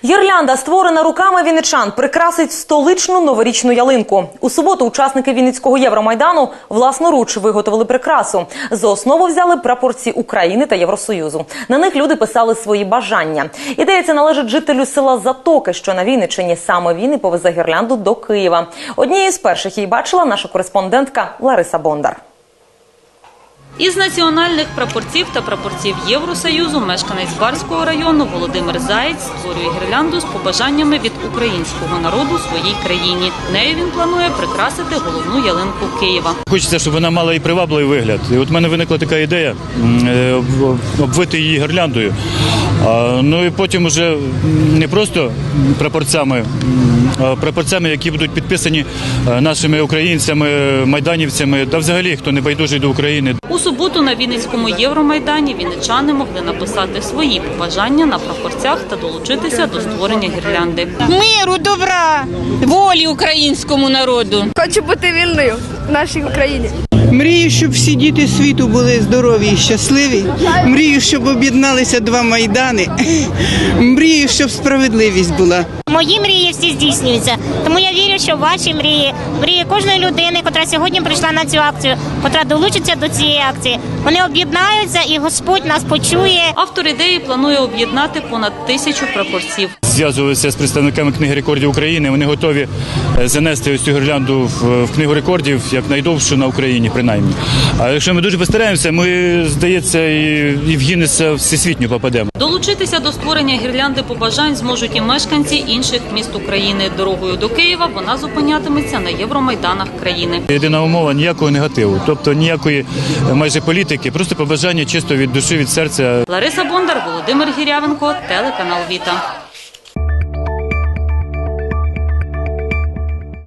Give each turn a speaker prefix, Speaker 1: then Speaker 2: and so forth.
Speaker 1: Гірлянда, створена руками вінничан, прикрасить столичну новорічну ялинку. У суботу учасники Вінницького Євромайдану власноруч виготовили прикрасу. За основу взяли прапорці України та Євросоюзу. На них люди писали свої бажання. Ідея ця належить жителю села Затоки, що на Вінниччині. Саме він і повезе гірлянду до Києва. Однією з перших її бачила наша кореспондентка Лариса Бондар.
Speaker 2: Із національних прапорців та прапорців Євросоюзу мешканець Барського району Володимир Заєць створює гірлянду з побажаннями від українського народу своїй країні. Нею він планує прикрасити головну ялинку Києва.
Speaker 3: Хочеться, щоб вона мала і привабливий вигляд. І от в мене виникла така ідея обвити її гірляндою. Ну і потім вже не просто прапорцями, які будуть підписані нашими українцями, майданівцями, та взагалі, хто не байдужий до України.
Speaker 2: У суботу на Вінницькому Євромайдані вінничани могли написати свої побажання на прапорцях та долучитися до створення гірлянди.
Speaker 4: Миру, добра, волі українському народу.
Speaker 5: Хочу бути вільною в нашій Україні.
Speaker 6: Мрію, щоб всі діти світу були здорові і щасливі. Мрію, щоб об'єдналися два майдани. Мрію, щоб справедливість була.
Speaker 7: Мої мрії всі здійснюються. Тому я вірю, що ваші мрії кожної людини, яка сьогодні прийшла на цю акцію, яка долучиться до цієї акції, вони об'єднаються і Господь нас почує.
Speaker 2: Автор ідеї планує об'єднати понад 1000 прапорців.
Speaker 3: Зв'язувалися з представниками Книги рекордів України. Вони готові занести ось цю гірлянду в Книгу рекордів як найдовшу на Україні, принаймні. А якщо ми дуже постараємося, ми, здається, і в Гіннеса всесвітньо попадемо.
Speaker 2: Долучитися до створення гірлянди побажань зможуть і мешканці інших міст України. Дорогою до Києва вона зупинятиметься на євромайданах країни.
Speaker 3: Єдина умова – ніякого негативу, тобто ніякої майже політики, просто побажання чисто від душі, від серця.
Speaker 2: Лариса Бондар, Володимир Гірявенко, телеканал Віта.